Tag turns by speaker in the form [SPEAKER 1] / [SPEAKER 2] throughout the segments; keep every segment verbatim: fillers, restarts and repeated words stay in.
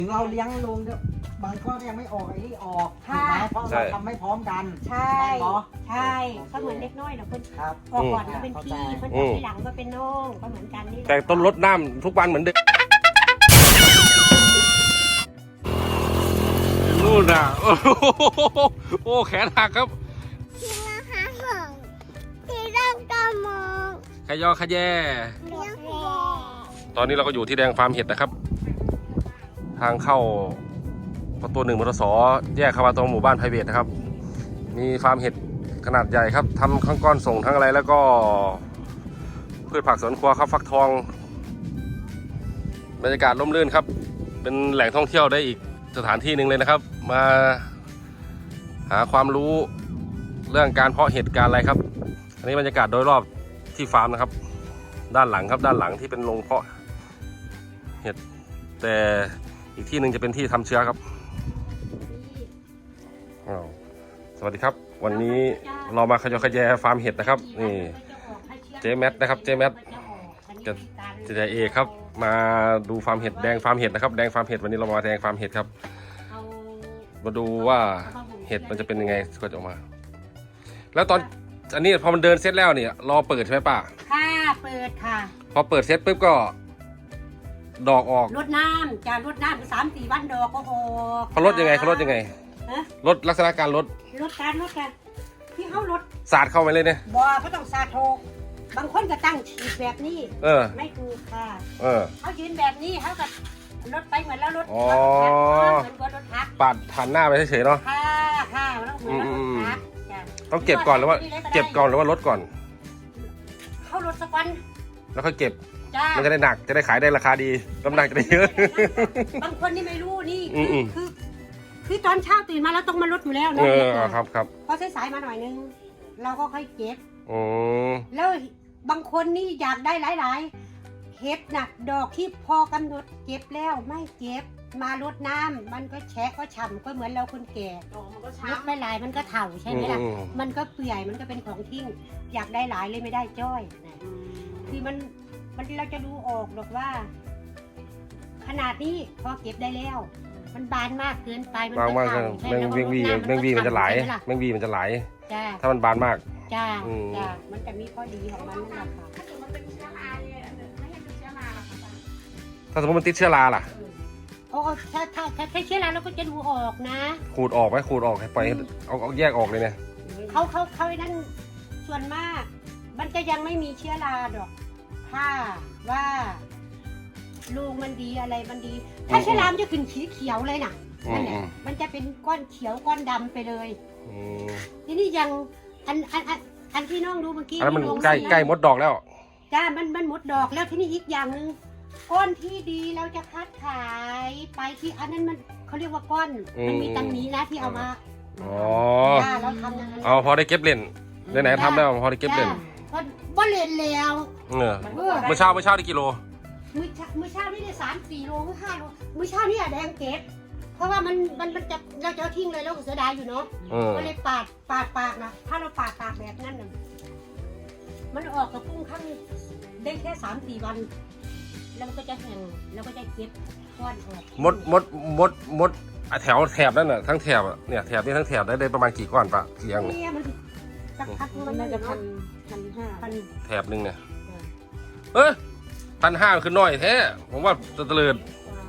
[SPEAKER 1] ถึงเราเลี้ยงลุงบางก็ยังไม่ออกไอ้นี่ออกถูกไหมเพราะเราทำไม่พร้อมกัน
[SPEAKER 2] ใช่ใช่ก็เหมือนเล็กน้อยนะเพื่อนออกก่อนก็เป็นพี่เพื่อนออกที่หลังก็เป็นน้องก็เหมือนกันนี่
[SPEAKER 3] แต่ต้นรดน้ำทุกวันเหมือนเดิมนู่นอ่ะโอ้โหโอ้แขนหักครับ
[SPEAKER 4] ที่ราคาส่งที่ร่างกามอง
[SPEAKER 3] ขยอขยแยตอนนี้เราก็อยู่ที่แดงฟาร์มเห็ดนะครับทางเข้าประตูหนึ่งมทสแยกเข้ามาตรงหมู่บ้านไพรเวทนะครับมีฟาร์มเห็ดขนาดใหญ่ครับทำข้างก้อนส่งทั้งอะไรแล้วก็พืชผักสวนครัวครับฟักทองบรรยากาศร่มรื่นครับเป็นแหล่งท่องเที่ยวได้อีกสถานที่หนึ่งเลยนะครับมาหาความรู้เรื่องการเพาะเห็ดการอะไรครับอันนี้บรรยากาศโดยรอบที่ฟาร์มนะครับด้านหลังครับด้านหลังที่เป็นโรงเพาะเห็ดแต่อีกที่หนึ่งจะเป็นที่ทำเชื้อครับสวัสดีครับวันนี้เรามาขยอขยแยฟาร์มเห็ดนะครับนี่เจแมทนะครับเจแมทจะจะเอกครับมาดูฟาร์มเห็ดแดงฟาร์มเห็ดนะครับแดงฟาร์มเห็ดวันนี้เรามาแดงฟาร์มเห็ดครับมาดูว่าเห็ดมันจะเป็นยังไงก็จะออกมาแล้วตอนอันนี้พอมันเดินเสร็จแล้วเนี่ยรอเปิดใช่ไหมป้า
[SPEAKER 2] ค่ะเปิดค่ะ
[SPEAKER 3] พอเปิดเสร็จปุ๊บก็ดอกออก
[SPEAKER 2] รดน้ำจะรดน้ำสามสี่วันดอกก็ออก
[SPEAKER 3] เขาลดยังไงเขาลดยังไงลดลักษณะการลด
[SPEAKER 2] ลดการลดกันที่เขาลด
[SPEAKER 3] สาดเข้าไปเลยเนี่ย
[SPEAKER 2] บ่ก็ต้องสาดโทบางคนก็ตั้งฉีดแบบนี้
[SPEAKER 3] เออ
[SPEAKER 2] ไม่ถูกค่ะ
[SPEAKER 3] เออ
[SPEAKER 2] เขายืนแบบนี้เขาก็ลดไปเหมือนแล้วลด
[SPEAKER 3] อ๋อ
[SPEAKER 2] เหมือนกับรถทัก
[SPEAKER 3] ปาดผ่านหน้าไปเฉยๆเนาะ
[SPEAKER 2] ค่ะค่ะแล้วเหมือนรถทัก
[SPEAKER 3] ต้องเก็บก่อนหรือว่าเก็บก่อนหรือว่าลดก่อน
[SPEAKER 2] เขาลดสักวัน
[SPEAKER 3] แล้วค่อยเก็บมันจะได้หนักจะได้ขายได้ราคาดีน้ำหนักจะได้เยอะ
[SPEAKER 2] บางคนนี่ไม่รู้นี่คือคือตอนเช้าตื่นมาแล้วต้องมาลดอยู่แล้วนะ
[SPEAKER 3] เออครับครับ
[SPEAKER 2] พอสายๆมาหน่อยนึงเราก็ค่อยเก็บ
[SPEAKER 3] อ๋อ
[SPEAKER 2] แล้วบางคนนี่อยากได้หลายๆเห็ดน่ะดอกที่พอกำหนดเก็บแล้วไม่เก็บมาลดน้ำมันก็แฉะก็ฉ่ำก็เหมือนเราคนแก่ลดไม่หลายมันก็เถ่าใช่ไหมล่ะมันก็เปื่อยมันก็เป็นของทิ้งอยากได้หลายเลยไม่ได้จ้อยนะคือมันมันเราจะดูออกหรอกว่าขนาดนี้พอเก็บได้แล้วมันบานมากเกินไปมันก็เถ่าใช่ไหม
[SPEAKER 3] แมงวีแมงวีมันจะไหลแมงวีมันจะไหลถ้ามันบานมาก
[SPEAKER 2] จ้าจ้ามันจะมีข้อดีของมันนั่นแหละค่ะถ้าสมมติมันเป็นเชื้อราเนี่ยไม่ให้เป็นเชื้อราหรอกค่ะ
[SPEAKER 3] ถ้าสมมติมันติดเชื้อราล่ะ
[SPEAKER 2] โอ้ถ้าถ้าถ้าเชื้อราเราก็จะดูออกนะ
[SPEAKER 3] ขูดออกไหมขูดออกให้ไปเอาเอาแยกออกเลยเนี่ย
[SPEAKER 2] เขาเขาเขานั่นส่วนมากมันจะยังไม่มีเชื้อราดอกถ้าว่าลูกมันดีอะไรมันดีถ้าเชื้อรามันจะขึ้นสีเขียวเลยน่ะนั่นแหละมันจะเป็นก้อนเขียวก้อนดำไปเลยทีนี้ยังอันอันอันอันที่น้องดูเมื่อกี้
[SPEAKER 3] อันนั้นมันใกล้ใกล้มดดอกแล้ว
[SPEAKER 2] จ้ามันมันหมดดอกแล้วทีนี้อีกอย่างหนึ่งก้อนที่ดีเราจะคัดขายไปที่อันนั้นมันเขาเรียกว่าก้อนมันมีตังนี้นะที่เอามา
[SPEAKER 3] อ๋อ
[SPEAKER 2] เราทำอย่างนั้น
[SPEAKER 3] เอาพอได้เก็บเล่นไหนๆทำได้พอได้เก็บเล่น
[SPEAKER 2] บ่เล่นแล้ว
[SPEAKER 3] เออเมื่อเช้าเมื่อเช้าได้กิโล
[SPEAKER 2] มื้อเช้ามื้อเช้านี่ได้สามสี่โลหรือห้าโลมื้อเช้านี่อะแดงเก็บเพราะว่ามันมันมันจะเราจะทิ้งเลยเราเสียดายอยู่เนาะก็เลยปาดปาดปากนะถ้าเราปาดปากแบบนั้นน่ะมันออกกับปุ้งข้างได้แค่สามสี่วันแล้วมันก็จะแห้งแล้วก็จะเก็บก้อนออก
[SPEAKER 3] มดมดมดมดแถวแถบนั่นน่ะทั้งแถบเนี่ยแถบนี้ทั้งแถบได้ได้ประมาณกี่ก้อนปะเลี้ยง
[SPEAKER 2] เนี่ยมันสักพักมันน่าจะพันพันห้าพัน
[SPEAKER 3] แถบนึงเนี่ยเออพันห้าคือน้อยแท้ผมว่าจะเตลิด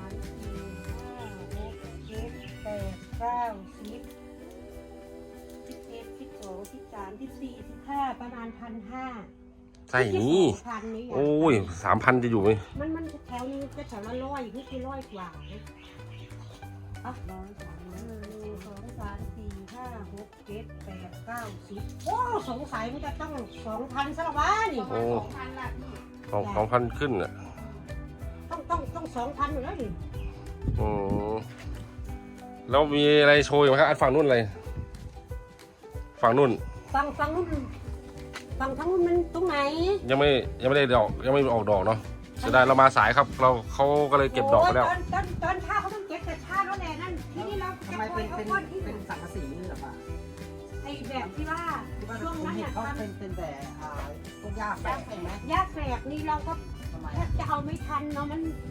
[SPEAKER 2] แปดเก้าสิบสิบเอ็ดสิบสองสิบสามสิบสี่สิบห้าประมาณพันห้า
[SPEAKER 3] ใช่นี่โอ้ยสามพันจะอยู่ไหม
[SPEAKER 2] มันมันแถวนึงจะแถวละร้อยนี่คือร้อยกว่าอ่ะร้อยสามหนึ่งสองสามสี่ห้าหกเจ็ดแปดเก้าสิบโอ้สงสัยมันจะต้องสองพันสละวะนี่สองพันละ
[SPEAKER 3] สองสองพันขึ้นอ่ะ
[SPEAKER 2] ต้องต้องต้องสองพันอยู่แล้วดิ
[SPEAKER 3] อ๋อแล้วมีอะไรโชว์ไหมครับอันฝั่งนู้นอะไรฝั่งนู้น
[SPEAKER 2] ฝั่งฝั่งนู้นฝั่งทั้งนู้นมันตรงไหน
[SPEAKER 3] ยังไม่ยังไม่ได้ดอกยังไม่ออกดอกเนาะเสียดายเรามาสายครับเราเขาก็เลยเก็บดอกไปแล้ว
[SPEAKER 2] ตอนตอนตอนเช้าเขาต้องเก็บแต่เช้าแล้วแหละนั่นที่นี่เรา
[SPEAKER 1] ทำไมเป็นเป็นเป็นสังกะสีนี่หรอปะ
[SPEAKER 2] ไอแบบที่ว่าช่วงนั้นเนี่ย
[SPEAKER 1] เขาเป็นเป็นแต่พวกหญ้าแฝกใช่ไหม
[SPEAKER 2] หญ้าแฝกนี่เราก็จะเอาไม่ทันเนาะมันส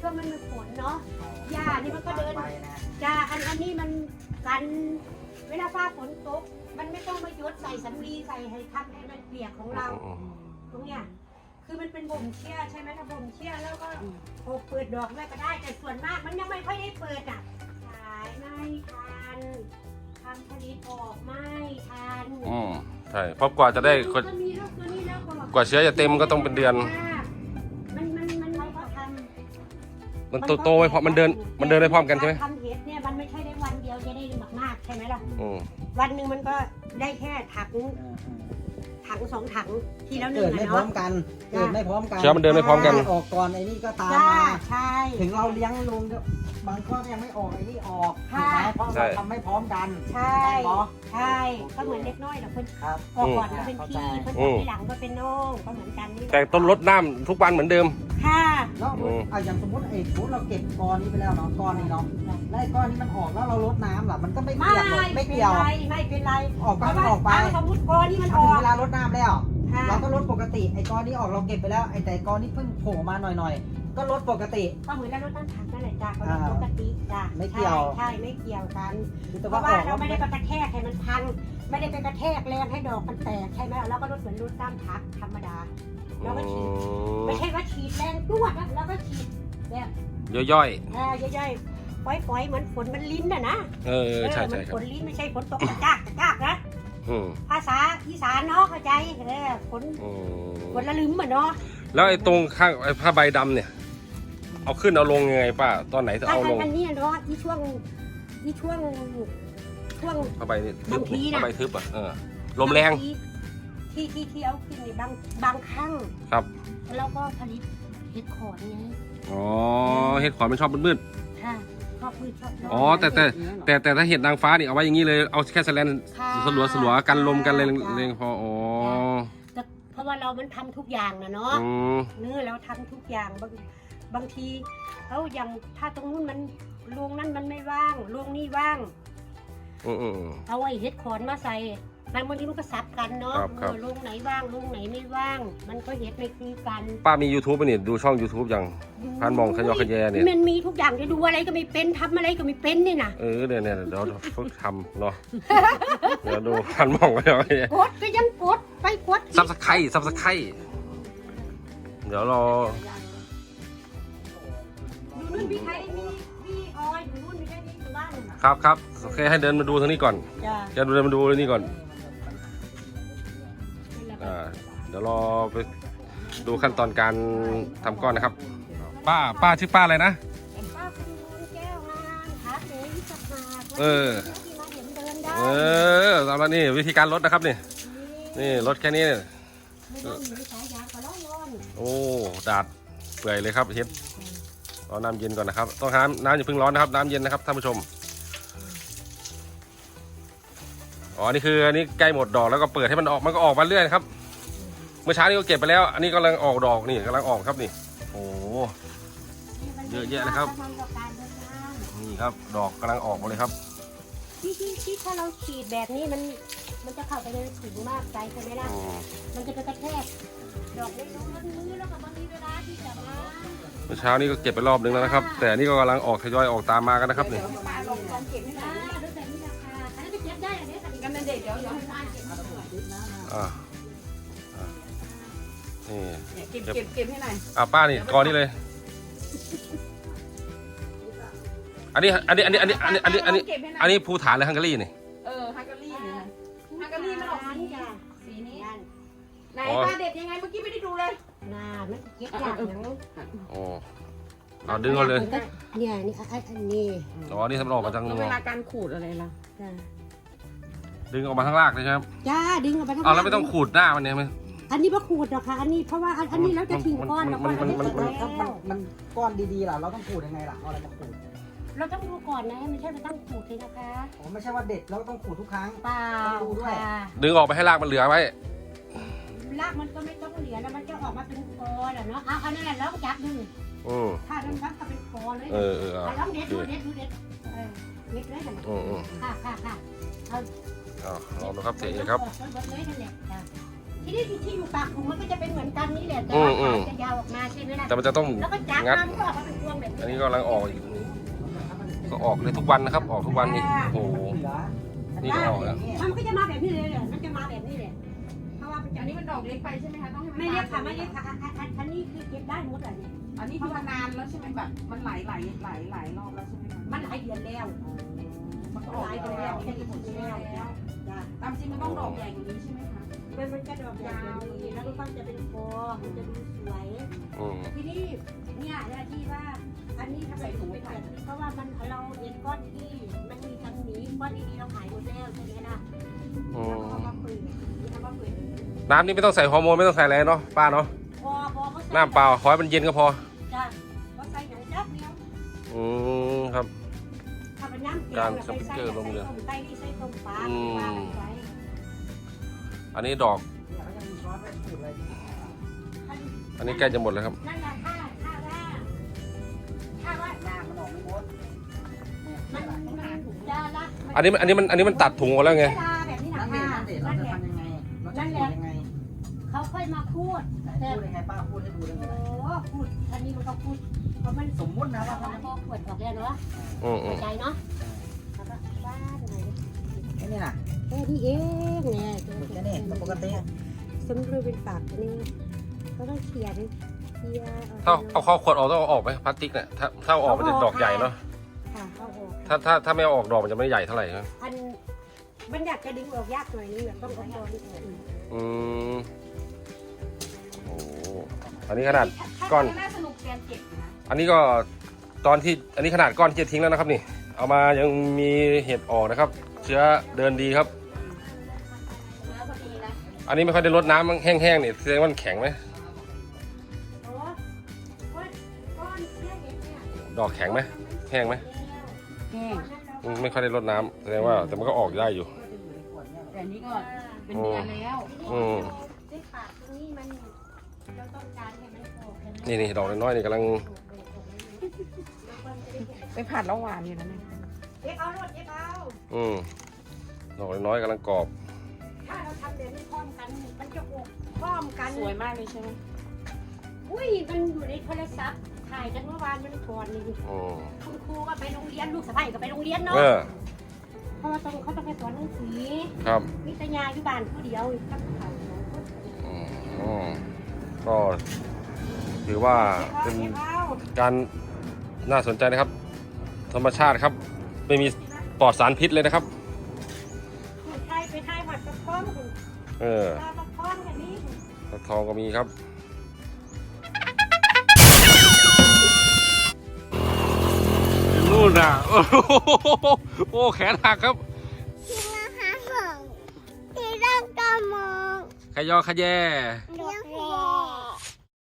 [SPEAKER 2] ช่วงมันมีฝนเนาะหญ้านี่มันก็เดิน
[SPEAKER 1] ไปนะ
[SPEAKER 2] จ้าอันอันนี้มันกันเวลาฟ้าฝนตกมันไม่ต้องมายดใส่สำลีใส่ให้ทำให้มันเปียกของเรา
[SPEAKER 3] อืม
[SPEAKER 2] ตรงเนี้ยคือมันเป็นบ่มเชี่ยใช่ไหมถ้าบ่มเชี่ยแล้วก็โอเปิดดอกได้ก็ได้แต่ส่วนมากมันยังไม่ค่อยได้เปิดอ่ะขายไม่ทันทำผลิตออกไม่ทัน
[SPEAKER 3] อืมใช่เพราะกว่าจะได้กว่า
[SPEAKER 2] ก็มีลูกตัวนี้แล้วก็
[SPEAKER 3] กว่าเชื้อจะเต็มก็ต้องเป็นเดือน
[SPEAKER 2] มันมันมันเขาก็ทำ
[SPEAKER 3] มันโตโตไปพร้อมมันเดินมันเดินได้พร้อมกันใช่ไหม
[SPEAKER 2] ทำเห็ดเนี่ยมันไม่ใช่ได้วันเดียวจะได้มากๆใช่ไหมล่ะ
[SPEAKER 3] อืม
[SPEAKER 2] วันหนึ่งมันก็ได้แค่ถังถังสองถังทีแล้วหนึ่
[SPEAKER 1] เกิ
[SPEAKER 2] ง
[SPEAKER 1] ดไม่
[SPEAKER 2] อะ
[SPEAKER 1] พร้อ
[SPEAKER 2] เนาะ
[SPEAKER 1] มกันเกิดไม่พร้อมกัน
[SPEAKER 3] เชื้อมันเดินไม่พร้อมกัน
[SPEAKER 1] ออกก่อนไอ้นี่ก็ตาม
[SPEAKER 2] จ้า
[SPEAKER 1] มา
[SPEAKER 2] ใช่
[SPEAKER 1] ถึงเราเลี้ยงลุงก็บางข้อยังไม่ออกไอ้นี่ออก
[SPEAKER 2] ค่ะ
[SPEAKER 1] ถูกไหมเพราะ
[SPEAKER 3] ใช่
[SPEAKER 1] เราทำไม่พร้อมกัน
[SPEAKER 2] ใช่
[SPEAKER 1] เนาะ
[SPEAKER 2] ใช่ก็เหมือนเล็กน้อยแหละคน
[SPEAKER 1] ครับ
[SPEAKER 2] ออกก่อนก็เป็นพี่
[SPEAKER 1] เข้าใจ
[SPEAKER 2] คนออกที่หลังก็เป็นน้องก็เหมือนกันนี่แหละ
[SPEAKER 3] แต่ต้นรดน้ำทุกวันเหมือนเดิม
[SPEAKER 2] ค่ะ
[SPEAKER 1] แล้ว
[SPEAKER 3] อืม
[SPEAKER 1] อ่ะอย่างสมมติไอ้สมมติเราเก็บกอนนี้ไปแล้วเนาะกอนนี้เนาะแล้วไอ้ก้อนนี้มันออกแล้วเราลดน้ำล่ะมันก็ไม่
[SPEAKER 2] ไม่
[SPEAKER 1] เกี่ยวหรอกไม่
[SPEAKER 2] ไม่เป็น
[SPEAKER 1] เกี่ยว
[SPEAKER 2] ไรไม่เป็นไร
[SPEAKER 1] ออกก็
[SPEAKER 2] เพราะว่า
[SPEAKER 1] ออกไป
[SPEAKER 2] เอาสมมติกอนี่มันอ
[SPEAKER 1] ถึ
[SPEAKER 2] อง ก
[SPEAKER 1] เวลารดน้ำแล้ว
[SPEAKER 2] ค่ะ
[SPEAKER 1] เราก็ลดปกติไอ้ก้อนนี้ออกเราเก็บไปแล้วไอ้แต่ก้อนนี้เพิ่งโผล่มาหน่อยๆ ก็ลดปกติ
[SPEAKER 2] ก็เหมือนเราลดน้ำถังนั่นแหละจ้าก็ลด
[SPEAKER 1] อ่า
[SPEAKER 2] ปกติจ้า
[SPEAKER 1] ไม่เกี่ยว
[SPEAKER 2] ใช่ใช่ไม่เกี่ยวกัน
[SPEAKER 1] คือแต่
[SPEAKER 2] เพ
[SPEAKER 1] ว่า
[SPEAKER 2] ราะ
[SPEAKER 1] อ
[SPEAKER 2] ว่า
[SPEAKER 1] อก
[SPEAKER 2] เรา
[SPEAKER 1] แล้ว
[SPEAKER 2] ไม่ได้ไปกระแทกให้มันพัง ไม่ได้ไปกระแทกแรงให้ดอกมันแตกใช่ไหมเราก็ลดเหมือนลดน้ำพักธรรมดา แล้วก็ฉีด ไม่ใช่ว่าฉีดแรงตัวนะแล้วก็ฉีดแบบ
[SPEAKER 3] ย่อย
[SPEAKER 2] เออย่อยๆปล่อยๆเหมือนฝนมันลิ้นน่ะนะ
[SPEAKER 3] ๆเออใช่
[SPEAKER 2] เหมื
[SPEAKER 3] ใช่
[SPEAKER 2] อน
[SPEAKER 3] ครั
[SPEAKER 2] ฝ
[SPEAKER 3] บ
[SPEAKER 2] นลิ้นไม่ใช่ฝนตกกระจากกระจากนะ
[SPEAKER 3] อืม
[SPEAKER 2] ภาษาอีสานเนาะเข้าใจเออฝน
[SPEAKER 3] อืม
[SPEAKER 2] ฝนละลืมเหมือนเนาะ
[SPEAKER 3] แล้วไอ้ตรงข้างไอ้ผ้าใบดำเนี่ย เอาขึ้นเอาลงยังไงป้าตอนไหนจะ
[SPEAKER 2] อัน
[SPEAKER 3] เอาลง
[SPEAKER 2] อันนี้เนาะที่ช่วงที่ช่วงช่วง
[SPEAKER 3] ผ้าใบนี่ทึบบ
[SPEAKER 2] างทีน่ะ
[SPEAKER 3] ผ้าใบทึบอ่ะเออลมแรง
[SPEAKER 2] ที่ที่ที่เอาขึ้นในบางบางครั้ง
[SPEAKER 3] ครับ
[SPEAKER 2] แล้วก็ผลิตเห็ดขอนไง
[SPEAKER 3] อ๋อเห็ดขอนมันชอบมืด
[SPEAKER 2] ค่ะชอบพืชชอบ
[SPEAKER 3] ๆอ๋อแต่แต่แต่แต่ถ้าเห็ดนางฟ้านี่เอาไว้อย่างนี้เลยเอาแค่แสแลน
[SPEAKER 2] ค่ะ
[SPEAKER 3] สลัวสลัวๆกันลมกันเลย
[SPEAKER 2] ค่ะ
[SPEAKER 3] เลยพออ๋อ
[SPEAKER 2] แต่เพราะว่าเรามันทำทุกอย่างนะเนาะ
[SPEAKER 3] อืม
[SPEAKER 2] เนื้อเราทำทุกอย่างบางบางทีเอาอย่างถ้าตรงนู้นมันโรงนั้นมันไม่ว่างโรงนี้ว่าง
[SPEAKER 3] อืมอืมอืม
[SPEAKER 2] เอาไอ้เห็ดขอนมาใส่บางบางทีมันก็ซับกันเนาะ
[SPEAKER 3] ครับครับ
[SPEAKER 2] เออโรงไหนว่างโรงไหนไม่ว่าง มันก็เห็ดไม่คือกัน
[SPEAKER 3] ป้ามี YouTube ป่ะเนี่ยดูช่อง YouTube ยัง พันมองขยอขยแยเนี่ย
[SPEAKER 2] มันมีทุกอย่างจะดูอะไรก็ไม่เป็นทำอะไรก็ไม่เป็นนี่นะ
[SPEAKER 3] เออเนี่ยเนี่ยเดี๋ยวฝึกทำเนาะเดี๋ยวดูพันมองขยอขยแย
[SPEAKER 2] กดก็ยังกดไปกด
[SPEAKER 3] ซับสไครซับสไครเดี๋ยวรอ
[SPEAKER 2] อยู่นู่นพี่ไทยมีพี่ออยอยู่นู่นมีแค่นี้อยู่บ้านน่ะ
[SPEAKER 3] ครับครับโอเคให้เดินมาดูทางนี้ก่อน
[SPEAKER 2] จ้า
[SPEAKER 3] จะเดินมาดูนี่ก่อนอ่าเดี๋ยวรอไปดูขั้นตอนการทำก้อนนะครับ ป้าป้าชื่อป้าอะไรนะ
[SPEAKER 2] ป้าคุณบุญแก้วงามขาเก๋วิสัชนา
[SPEAKER 3] เออ
[SPEAKER 2] ที่มาเห็นเดินได้
[SPEAKER 3] เออสำหรับนี่วิธีการลดนะครับนี่นี่ลดแค่นี้เนี่ย
[SPEAKER 2] ไม่ต้องหนีสายยางก็ร้อนร้อน
[SPEAKER 3] โอ้ดาดเปื่อยเลยครับเฮ็ดรอน้ำเย็นก่อนนะครับต้องน้ำน้ำอย่าเพิ่งร้อนนะครับน้ำเย็นนะครับท่านผู้ชมอ๋อนี่คืออันนี้ใกล้หมดดอกแล้วก็เปิดให้มันออกมันก็ออกมาเรื่อยนะครับเมื่อเช้านี้ก็เก็บไปแล้ว อันนี้กำลังออกดอกนี่กำลังออกครับนี่โอ้ เยอะแยะเลยครับ
[SPEAKER 2] ทำกับการเดินทาง
[SPEAKER 3] นี่ครับดอกกำลังออกมาเลยครับ
[SPEAKER 2] ที่ที่ที่ถ้าเราฉีดแบบนี้มันมันจะเข้าไปในถุงมากไปใช่ไหมล่ะ
[SPEAKER 3] อืม
[SPEAKER 2] มันจะไปกระแทกดอกเล็กๆมือแล้วก็บางทีเวลาที่จะมา
[SPEAKER 3] เมื่อเช้านี้ก็เก็บไปรอบนึงแล้วนะครับ แต่อันนี่ก็กำลังออกทยอยออกตามมากันนะครับนี่
[SPEAKER 2] ปลาลงลองเก็บให้หน่อยนะแล้วแต่นี่ราคาอันนี้นไปเก็บได้อันนี้แต่กันเด็กเดี๋ยวเดี๋ยวให้ป้าเก็บมาหน่อย
[SPEAKER 3] อ่าอ่านี่
[SPEAKER 5] เก็บเก็บเก็บให้หน่อย
[SPEAKER 3] อ่าป้านี่กอนี่เลย อันนี้อันนี้อันนี้อันนี้อันนี้อันนี้อันนี้
[SPEAKER 5] เก็บให้หน่อย
[SPEAKER 3] อันนี้ภูฐานเลยฮังการีนี่
[SPEAKER 5] เออฮังการีเนี่ยนะฮังการีมันออกสี
[SPEAKER 2] จ้ะ
[SPEAKER 5] สีนี้
[SPEAKER 2] นั่น
[SPEAKER 5] ไหนป้าเด็ดยังไงเมื่อกี้ไม่ได้ดูเลย
[SPEAKER 2] น่ามันเก็บยากอย่าง
[SPEAKER 3] โอ้เอาดึงเอาเลย
[SPEAKER 2] เนี่ยนี่อันอันนี้
[SPEAKER 3] อ๋อนี่ทำมันออกมาทาง
[SPEAKER 5] แล้ว
[SPEAKER 3] ง
[SPEAKER 5] เว
[SPEAKER 3] อ
[SPEAKER 5] ลาการขูดอะไรล่ะ
[SPEAKER 2] จ้า
[SPEAKER 3] ดึงออกมาทางรากเลยใช่ไหมครับ
[SPEAKER 2] จ้าดึงออกไปทั้ง
[SPEAKER 3] เอาแล้วไม่ต้องขูดหน้ามันเนี่ยไหม
[SPEAKER 2] อันนี้พระขูดหรอกค่ะอันนี้เพราะว่าอันอันนี้แล้วจะทิ้งก้อนแล้วก้อน
[SPEAKER 3] มัน
[SPEAKER 2] เรา
[SPEAKER 3] มัน
[SPEAKER 2] จะ
[SPEAKER 3] มัน
[SPEAKER 2] เก็บ
[SPEAKER 1] มัน
[SPEAKER 2] แล้ว
[SPEAKER 1] มันก้อนดีๆล่ะเราต้องขูดยังไงล่ะเอาอะไรมาขูด
[SPEAKER 2] เราต้องดูก่อนนะไม่ใช่ไปตั้งขูดเลยนะคะ
[SPEAKER 1] อ๋อไม่ใช่ว่าเด็ดเราก็ต้องขูดทุกครั้ง
[SPEAKER 2] เปล่า
[SPEAKER 1] ต้องดูด้วย
[SPEAKER 2] ค่ะ
[SPEAKER 3] ดึงออกไปให้รากมันเหลือไว้
[SPEAKER 2] รากมันก็ไม่ต้องเหลือแล้วมันจะออกมาเป็นกอแหละเนาะเอาอันนั้นแหละลองจับดู
[SPEAKER 3] อืม
[SPEAKER 2] ถ้านั้นรักก็เป็นกอเลย
[SPEAKER 3] เออเออ
[SPEAKER 2] เอา
[SPEAKER 3] เอา
[SPEAKER 2] ลองเด็ดดูเด็ดดูเด็ดเออเด็ดเลยนั่นแหละ
[SPEAKER 3] อืมอืม
[SPEAKER 2] ค่ะค่ะค่ะเอา
[SPEAKER 3] เอาลองดูครับเสียเอกครับ
[SPEAKER 2] เบิดเลยนั่นแหละจ้ะทีนี้ที่อยู่ปากถุงมันก็จะเป็นเหมือนกันนี่แหละแต่
[SPEAKER 3] อื
[SPEAKER 2] ว่าม
[SPEAKER 3] อืม
[SPEAKER 2] ขาจะยาวออกมาใช่ไหมล่ะ
[SPEAKER 3] แต่มันจะต้อง
[SPEAKER 2] แล้วก็จับ
[SPEAKER 3] งัด
[SPEAKER 2] มามันก็ออกมาเป็นพวงแบบนี้
[SPEAKER 3] อันนี้ก็กำลังออกอีกก็ออกเลยทุกวันนะครับ ออกทุกวันนี่โอ้โห นี่ก็ออกแล้ว
[SPEAKER 2] มันก็จะมาแบบนี้เลยเนี่ยมันจะมาแบบนี้เลยเพราะว่ามันจะ
[SPEAKER 5] อันนี้มันดอกเล็กไปใช่ไหมคะต้องให้น
[SPEAKER 2] ไม่เรียกค่ะ
[SPEAKER 5] บาน
[SPEAKER 2] ไม่เรียกค่ะอันอันอันอันนี้คือเก็บได้หมดเลยเนี่ย
[SPEAKER 5] อันนี้ที่ว่านานแล้วใช่ไหมแบบมันไหลไหลไหลไหลรอบแล้วใช่ไหมคะ
[SPEAKER 2] มันหลายเดือนแล้ว
[SPEAKER 5] มันก็
[SPEAKER 2] มัน
[SPEAKER 5] ออก
[SPEAKER 2] หลาย
[SPEAKER 5] ไป
[SPEAKER 2] เดือน
[SPEAKER 5] แล้
[SPEAKER 2] แล้ว
[SPEAKER 5] ว
[SPEAKER 2] แค่ที่ผมเแล้วจ้ะ
[SPEAKER 5] ตามจริงมันต้องดอกใหญ่กว่านี้ใช่ไหมคะ
[SPEAKER 2] มันมันจะดอกยาวแล้วก็จะเป็นฟองมันจะดูสวย
[SPEAKER 3] อืม
[SPEAKER 2] ทีนี้เนี่ยเวลาที่ว่าอันนี้ทำไมถึงเป็นแบบนี้เพราะว่ามันเราเห็นก้อนที่มันมีทั้งหนี้ก้อนดีๆเราขายหมดแล้วใช่ไหมนะ
[SPEAKER 3] อื
[SPEAKER 2] แล้ว
[SPEAKER 3] ม
[SPEAKER 2] ก็เอามาเปิดเอามาเปิด
[SPEAKER 3] น้ำนี่ไม่ต้องใส่ฮอร์โมนไม่ต้องใส่อะไรเนาะป้าเนาะ
[SPEAKER 2] พอพอเขาใส่
[SPEAKER 3] น้ำเปล่าขอให้มันเย็นก็พอ
[SPEAKER 2] จ้ะเขาใส่หนังจับเดียว
[SPEAKER 3] อืมครับ
[SPEAKER 2] ถ้าเป็นน้ำแกง
[SPEAKER 3] การ
[SPEAKER 2] น่ะ
[SPEAKER 3] สปิกเกอร์ลงเลย
[SPEAKER 2] ใส่ต้มไก่นี่ใส่ต้มปลา
[SPEAKER 3] อืม
[SPEAKER 2] ว่าไป
[SPEAKER 3] อันนี้ดอก อันนี้ใกล้จะหมดแล้วครับ
[SPEAKER 2] นั่นแหละถ้าถ้าว่าถ้าว่า
[SPEAKER 1] หน้ามันออกไม่หมด
[SPEAKER 2] มันมันยาละ
[SPEAKER 3] อันนี้มันอันนี้มันอันนี้มันตัดถุงออกแล้วไง
[SPEAKER 2] เวลาแบบนี้นะ
[SPEAKER 1] นั่นเองนั่นเองเรา
[SPEAKER 2] นั่น
[SPEAKER 1] จะ
[SPEAKER 2] แหละ
[SPEAKER 1] ทำยังไงเราจะพูดยังไง
[SPEAKER 2] เขาค่อยมาพูด
[SPEAKER 1] ไหน
[SPEAKER 2] แต่
[SPEAKER 1] พูดยังไงป้าพูดให้ดูได้ไหม
[SPEAKER 2] โอ้พูดอันนี้มันก็พูดเพราะมัน
[SPEAKER 1] สมมุตินะว่า
[SPEAKER 2] พอ
[SPEAKER 1] เขา
[SPEAKER 2] พอขวดออกแล้วเนาะ
[SPEAKER 3] อืมอื
[SPEAKER 2] เข้าม ใจเนาะแล้วก็บ้านไหน
[SPEAKER 1] ไอ้นี่น่ะ
[SPEAKER 2] แค่นี้เองเนี่ย
[SPEAKER 1] แค่นี้ปกติ
[SPEAKER 2] สมรู้เป็นปากนี่ก็ต้องเขียนเขียน
[SPEAKER 3] ถ้าเอาข้อขวดออกต้องเอาออกไหมพลาสติกเนี่ยถ้าถ้าเอาออกมันจะดอกใหญ่เนาะ
[SPEAKER 2] ค่ะเอาออก
[SPEAKER 3] ถ้าถ้าถ้าไม่เอาออกดอกมันจะไม่ใหญ่เท่าไหร่ครับ
[SPEAKER 2] อันมันอยากจะดึงออกยากหน่อยนึงอะต้องเอาออก
[SPEAKER 3] อืมโอ้โหอันนี้ขนาด ก้อน
[SPEAKER 5] น่าสนุกแกนเก็บนะ
[SPEAKER 3] อันนี้ก็ตอนที่อันนี้ขนาดก้อนที่จะทิ้งแล้วนะครับนี่ เอามายังมีเห็ดออกนะครับ เชื้อเดินดีครับ
[SPEAKER 5] เนื้อพอดีนะ
[SPEAKER 3] อันนี้ไม่ค่อยได้รดน้ำแห้งๆนี่แสดงว่ามันแข็งไหม
[SPEAKER 2] โอ้ก้อนก้อนเชื่อเห็นเนี่ย
[SPEAKER 3] ดอกแข็งไหมแห้งไหม
[SPEAKER 5] แห้ง
[SPEAKER 3] อืมไม่ค่อยได้รดน้ำแสดงว่าแต่มันก็ออกได้อยู่
[SPEAKER 5] แต่อันนี้ก็เป็นเดือนแล้ว
[SPEAKER 3] อืม
[SPEAKER 2] ด้วยปากตรงนี้มันเราต้องการให้มันออก
[SPEAKER 3] นี่นี่ดอกน้อยๆนี่กำลัง
[SPEAKER 5] ไปผัดแล้วหวานอยู่นะเนี่ย
[SPEAKER 2] เอฟเอารถเอฟเอา
[SPEAKER 3] อืมดอกน้อยๆกำลังกรอบ
[SPEAKER 2] ถ้าเราทำแบบนี้พร้อมกันมันจะออกพร้อมกัน
[SPEAKER 5] สวยมากเลยใช่ไหม
[SPEAKER 2] อุ้ยมันอยู่ในโทรศัพท์ถ่ายกันเมื่อวานมันก่อนนี่
[SPEAKER 3] อืม
[SPEAKER 2] คุณครูก็ไปโรงเรียนลูกสะใภ้ก็ไปโรงเรียนเนาะ
[SPEAKER 3] เออ
[SPEAKER 2] เพราะว่าต้องเขาต้องไปสอนหนังสือ
[SPEAKER 3] ครับ
[SPEAKER 2] วิทยาอยู่บ้านผู้เดียวตั้งเขาสองคน
[SPEAKER 3] อืมอืมก็ถือว่าเป็น
[SPEAKER 2] เอฟเอา
[SPEAKER 3] การน่าสนใจนะครับ ธรรมชาติครับ ไม่มีปลอดสารพิษเลยนะครับ
[SPEAKER 2] คุณไทยไปไทยหัดกระพ้อมคุณ
[SPEAKER 3] เออ
[SPEAKER 2] ตากระพ้อมแบบนี้
[SPEAKER 3] ฟักทองก็มีครับนู่นน่ะ โอ้โหโอ้แขนหักครับ
[SPEAKER 4] ที่มาหาของที่ต้องกระมอง
[SPEAKER 3] ขยอขยแย
[SPEAKER 4] เลี้ยงแย่